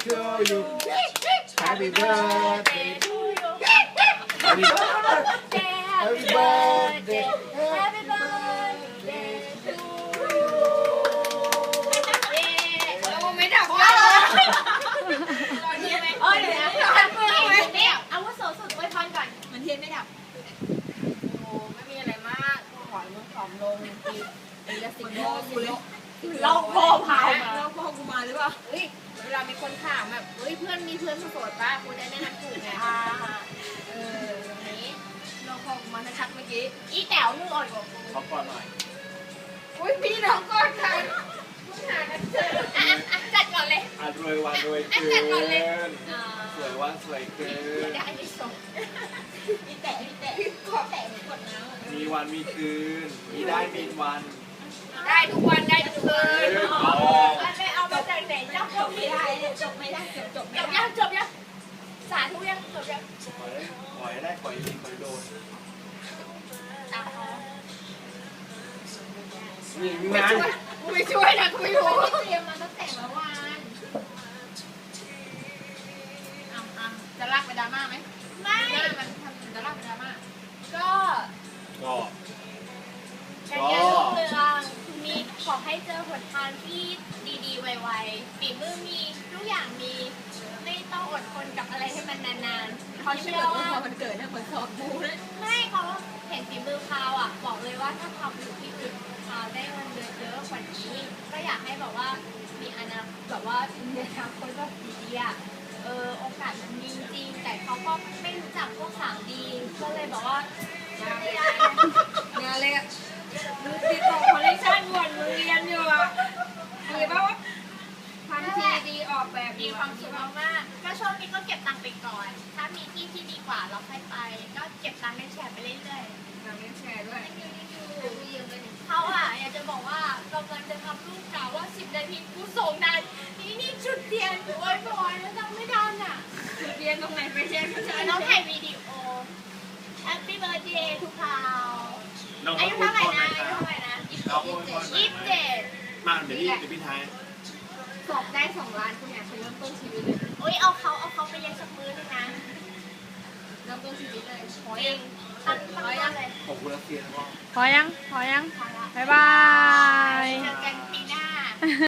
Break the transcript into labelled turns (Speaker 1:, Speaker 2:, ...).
Speaker 1: to you Happy birthday to you Happy birthday Happy birthday
Speaker 2: Happy birthday to you
Speaker 3: เราไม่ดับว่าตอนนี้ไหมเดี๋ยวนะ
Speaker 2: อาวุโสสุดอวยพรก่อน
Speaker 3: มันเทียนไม่ดับโอ้ไม่มีอะไรมากขอมึงผอมลงปีละ10 โลกูเลย
Speaker 2: เราพ่อพาวมา
Speaker 3: เราพ่อกูมาหรือเปล่าเฮ้ยเวลามีคนถามแบบเฮ้ยเพื่อนมีเพื่อนโสดป่ะกูจะแนะนำถูกไงอย่างนี้เราพ่อกูมาชัดเมื่อกี้
Speaker 2: อีแต๋วมึงอ่อนกว่ากู
Speaker 1: ขอก่อนหน่อย
Speaker 3: อุ้ยพี่น้องก่อนกันมึงหากันเจอ
Speaker 2: จัดก่อนเลย
Speaker 1: รวยวันรวยเกินสวยวันสวยเกิน
Speaker 2: ได้ไม่ส่งอีแต๋ว
Speaker 3: ขอแตะกดน้ำ
Speaker 1: มีวันมีคืน มีได้มีวัน
Speaker 3: ได้ทุกวันได้ทุกคืน
Speaker 2: ไม่เอามาจากไหนจบไม่ได้จบไม่ได้จบยังสาธุยังจบยัง
Speaker 1: ขอให้ได้ขอให้มีขอให้โดนยิงนะ
Speaker 3: กูไม่ช่วยนะกูไม่รู้
Speaker 2: เตรียมมาตั้งแต่เมื่อวาน
Speaker 3: จะลากไปดราม่าไหม
Speaker 2: ไม่
Speaker 3: หน้ามันทำจะลากไปดราม่า
Speaker 2: ก็
Speaker 1: ก็
Speaker 2: การเงินรุ่งเรืองมีขอให้เจอหนทางที่ดีๆไวๆฝีมือมีทุกอย่างมีไม่ต้องอดทนกับอะไรให้มันนานๆเขาเชื่อว่า
Speaker 3: พอมันเกิดเนี่ยเหมือนสอบมูเลย
Speaker 2: ไม่เขาเห็นฝีมือพาวอ่ะบอกเลยว่าถ้าทำอยู่ที่อื่นพาวได้เงินเดือนเยอะกว่านี้ก็อยากให้แบบว่ามีอนาคตแบบว่ามีอนาคตแบบดีๆอ่ะโอกาสมันมีจริงแต่เขาก็ไม่รู้จักพวกสาวดีก็เลยบอกว่าไม่ได้
Speaker 3: งานเลยอะดูติดต่อคอลเลคชันวนมึงเรียนอยู่อะดีป่าวะทำทีดีออกแบบ
Speaker 2: มีความสุขมากๆก็ช่วงนี้ก็เก็บตังค์ไปก่อน ถ้ามีที่ที่ดีกว่าเราค่อยไป ก็เก็บตังค์ในแชร์ไปเรื่อยๆ
Speaker 3: งานเล่นแชร์ด้วยกูยืมเลย
Speaker 2: เขาอยากจะบอกว่ากำลังจะทำรูปกล่าวว่า10 นาทีกูส่งนานนี่จุดเทียนโอ้ยบอยแล้วทำไม่ทันอ่ะ
Speaker 3: เรียนตรงไหนไปแชร์ผู้ชาย
Speaker 2: น้องถ่ายวิดีโอ Happy birthday ทุกคราว
Speaker 1: น้อง
Speaker 2: อา
Speaker 1: เขา
Speaker 2: ยุ
Speaker 1: พูด
Speaker 2: เท่าไหร่
Speaker 1: ก่อนห
Speaker 2: นะ
Speaker 1: น่อย
Speaker 2: อา
Speaker 1: ค
Speaker 2: ยุ
Speaker 1: รับ
Speaker 2: เท่าไหร่นะ
Speaker 1: น้องพูดก่อนหน่อย
Speaker 2: 27
Speaker 1: มาเดี๋ยวพี่ท้าย
Speaker 3: สอบได้2 ล้านกูอยากจะเริ่มต้นชีวิตเลย
Speaker 2: โอ้ยเอาเขาไปเลี้ยงสักมื้อนึงนะ
Speaker 3: เริ่มต้นชีวิตเลย
Speaker 2: โอ้ยตั้งเลย
Speaker 1: ขอบคุณนักเรียนแล้วก็
Speaker 4: พอยัง
Speaker 2: พอละ
Speaker 4: บ๊ายบาย
Speaker 2: เจอกันปีหน้า